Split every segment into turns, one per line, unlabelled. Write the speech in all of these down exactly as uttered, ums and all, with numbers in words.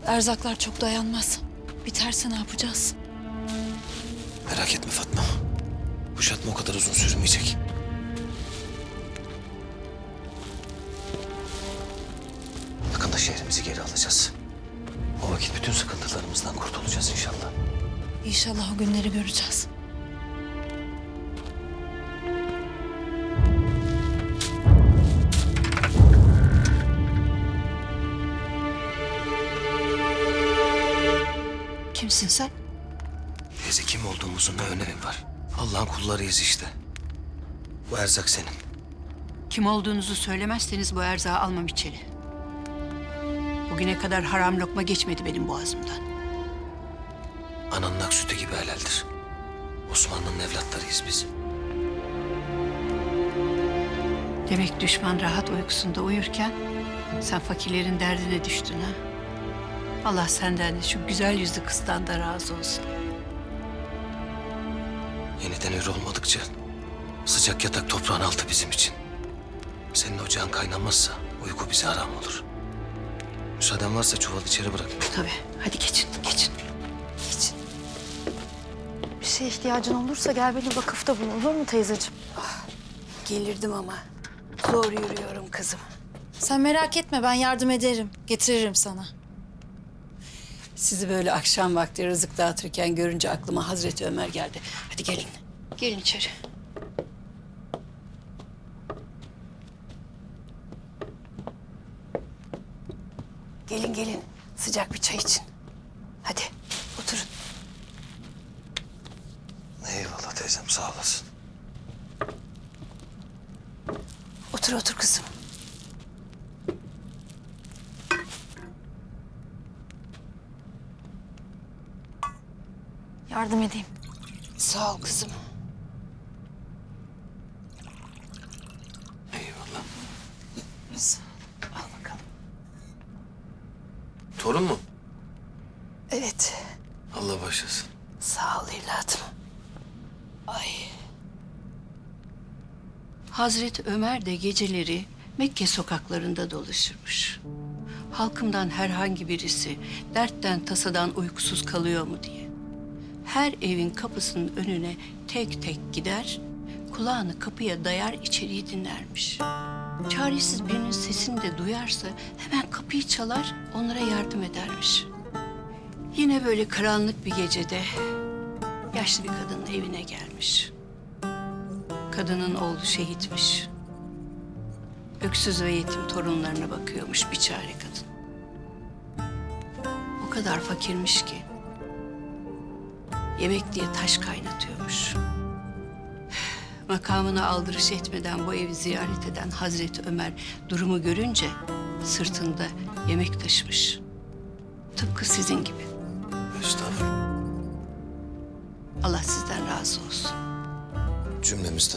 Erzaklar çok dayanmaz. Biterse ne yapacağız?
Merak etme Fatma. Kuşatma o kadar uzun sürmeyecek. Yakında şehrimizi geri alacağız. O vakit bütün sıkıntılarımızdan kurtulacağız inşallah.
İnşallah o günleri göreceğiz.
Kimsin sen?
Teyze, kim olduğumuzun ne önemi var? Allah'ın kullarıyız işte. Bu erzak senin.
Kim olduğunuzu söylemezseniz bu erzağı almam içeri. Bugüne kadar haram lokma geçmedi benim boğazımdan.
Ananın ak sütü gibi helaldir. Osmanlı'nın evlatlarıyız biz.
Demek düşman rahat uykusunda uyurken sen fakirlerin derdine düştün ha? Allah senden de şu güzel yüzlü kızdan da razı olsun.
Yeniden hür olmadıkça sıcak yatak toprağın altı bizim için. Senin ocağın kaynamazsa uyku bize haram olur. Müsaaden varsa çuvalı içeri bırakayım.
Tabii. Hadi geçin, geçin. Geçin.
Bir şeye ihtiyacın olursa gel beni vakıfta bul, olur mu teyzeciğim?
Gelirdim ama zor yürüyorum kızım.
Sen merak etme, ben yardım ederim. Getiririm sana.
Sizi böyle akşam vakti rızık dağıtırken görünce aklıma Hazreti Ömer geldi. Hadi gelin. Gelin içeri. Gelin gelin. Sıcak bir çay için. Hadi oturun.
Eyvallah teyzem, sağ olasın.
Otur otur kızım.
Yardım edeyim.
Sağ ol kızım.
Eyvallah.
Sağ ol. Al bakalım.
Torun mu?
Evet.
Allah başlasın.
Sağ ol evladım. Ay. Hazreti Ömer de geceleri Mekke sokaklarında dolaşırmış. Halkımdan herhangi birisi dertten tasadan uykusuz kalıyor mu diye. Her evin kapısının önüne tek tek gider, kulağını kapıya dayar içeriği dinlermiş. Çaresiz birinin sesini de duyarsa hemen kapıyı çalar, onlara yardım edermiş. Yine böyle karanlık bir gecede yaşlı bir kadının evine gelmiş. Kadının oğlu şehitmiş. Öksüz ve yetim torunlarına bakıyormuş biçare kadın. O kadar fakirmiş ki yemek diye taş kaynatıyormuş. Makamına aldırış etmeden bu evi ziyaret eden Hazreti Ömer durumu görünce sırtında yemek taşımış. Tıpkı sizin gibi.
Estağfurullah.
Allah sizden razı olsun.
Cümlemizden.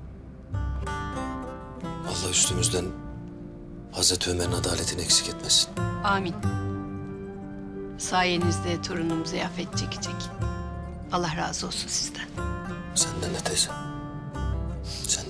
Allah üstümüzden Hazreti Ömer'in adaletini eksik etmesin.
Amin. Sayenizde torunum ziyafet çekecek. Allah razı olsun sizden.
Senden de teyze. Sen